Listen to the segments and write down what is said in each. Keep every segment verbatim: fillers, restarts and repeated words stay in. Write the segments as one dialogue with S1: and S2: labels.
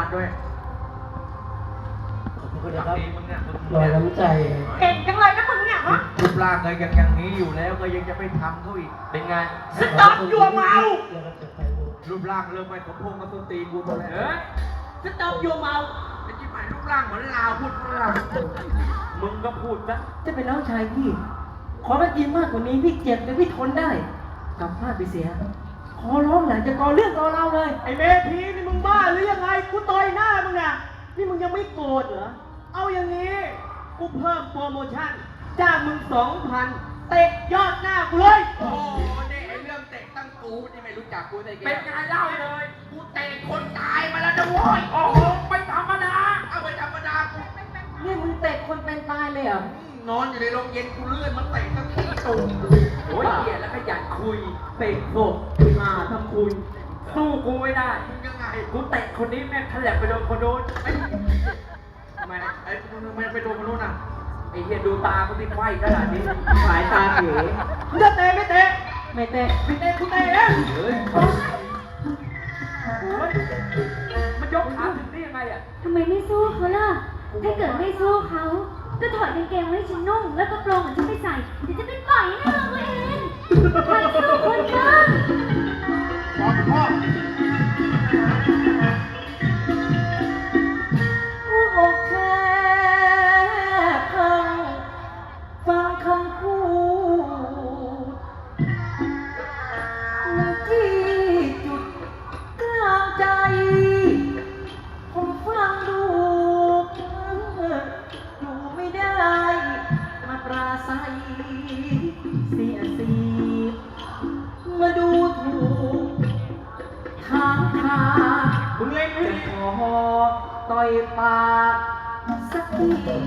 S1: ด้วย
S2: ขอบคุณนะครับ
S1: ดีมึงเนี่ยมึง
S2: ลอยน้ำใจ
S3: เก่งจังเลยนะมึงเนี่ยฮะ
S1: รูปร่างก็ยังอย่างนี้อยู่แล้วก็ยังจะไปทำเขาอีกเป็นไง
S3: สต๊อปยัวเมา
S2: แล้วก็จะไปดู
S1: รูปร่างเริ่มไม่สมพงษ์กับต้นตีนกูหมดแล้ว
S3: เฮ้ยสต๊อปยัวเมา
S1: ไอ้ที่หมายรูปร่างเหมือนลาวพูดฝรั่งมึงก็พูดซะ
S4: จะเป็นน้องชายพี่ ขอมากินมากกว่านี้พี่เจ็บแต่พี่ทนได้กลับบ้านไปเสีย ขอร้องหลังจะก่อเรื่องก่อเราเลย
S3: ไอ้เมธีนี่มึงบ้าหรือยังไงกูต่อยหน้ามึงน่ะนี่มึงยังไม่โกรธเหรอเอาอย่างนี้กูเพิ่มโปรโมชั่นจ้างมึงสองพันเตะยอดหน้ากูเลย
S1: โอ้นี่ไอ้เรื่องเตะตั้งกูนี่ไม่รู้จักกูได้ไงเป็นไงเล่าเลยกูเตะคนตายมาแล้วนะโว้ยโอ้โหไม่ธรรมดาเอาไปธรรมดากู
S4: นี่มึงเตะคนเป็นตายเลยเหรอ
S1: นอนอยู่ในโรงเย็นกูเลื่อนมันเตะตั้งขี้ตูมโอ้ยเหี้ยแล้วขยันคุย
S4: เตะโบกมาทำคุณ
S1: สู้กูไม่ได้มึงยังไงกูเตะคนนี้แม่งทะแหลกไปโดนคนโน้นไอ้ทำไมไอ้ทำไมไปโดนคนโน้นอ่ะไอ้เหี้ยดูตาเขาที่ไขว้ขนาดนี้
S4: สายตาเข
S3: มึงจะเตะไม่เตะ
S4: ไม่เตะ
S3: ไม่เตะกูเตะเอง
S1: เฮ้ยมันยกขาถึงได้ยังไงอ่ะ
S5: ทำไมไม่สู้เขาล่ะ ถ้าเกิดไม่สู้เขา ก็ถอดกางเกงไว้ให้ฉันนุ่ง แล้วก็โปรงของฉันไปใส่ เดี๋ยวจะเป็นปล่อยให้เราตัวเองทำสู้คนบ้าง
S1: พ่อพ่อ
S4: หัวอกแค่พังฟังคำพูดที่จุดกลางใจ ผมฟังดูอยู่ไม่ได้ มาปราศัยเสียสีมาดูถูกทางทาง
S3: มึงเล่นไม่ดี
S4: ขอต่อยปากสักที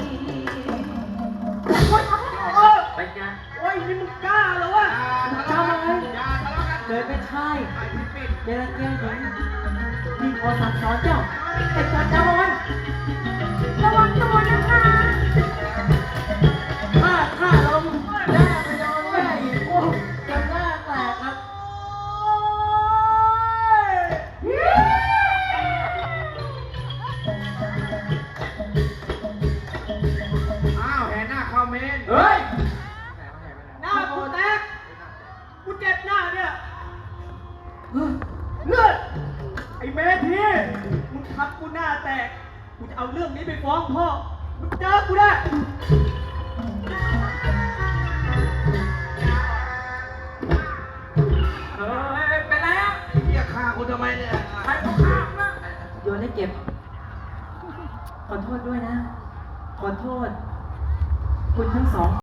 S3: เออ
S1: ไปไง
S3: โอ้ยนี่มึงกล้าเหรอวะ
S4: ทำอะไร
S1: อย่าทะเลาะกัน
S4: เกิดเป็นชาย
S1: ไอ้พี่ปิด
S4: เดรัจฉานหญิงที่ขอสั่งสอนเจ้าแต่ก่อนจะเอามัน
S5: ระวังตัวนะคะ
S4: ถ้าถ้าลมแม่ไปโดนแม่อีกโอ้จะหน้าแตกครับ
S1: อ้าวแห่หน้าเข้าเมน
S3: เฮ้ย หน้ากูแตก กูเจ็บหน้าเนี่ยเลือดไอ้เมธีมึงทำกูหน้าแตก กูจะเอาเรื่องนี้ไปฟ้องพ่อ มึงเจอกูได้
S1: เฮ้ยไปแล้วเรียกฆ่ากูทำไมเนี่ยใครเขาฆ่านะ
S4: โยนให้เก็บ ขอโทษด้วยนะ ขอโทษ คุณทั้งสอง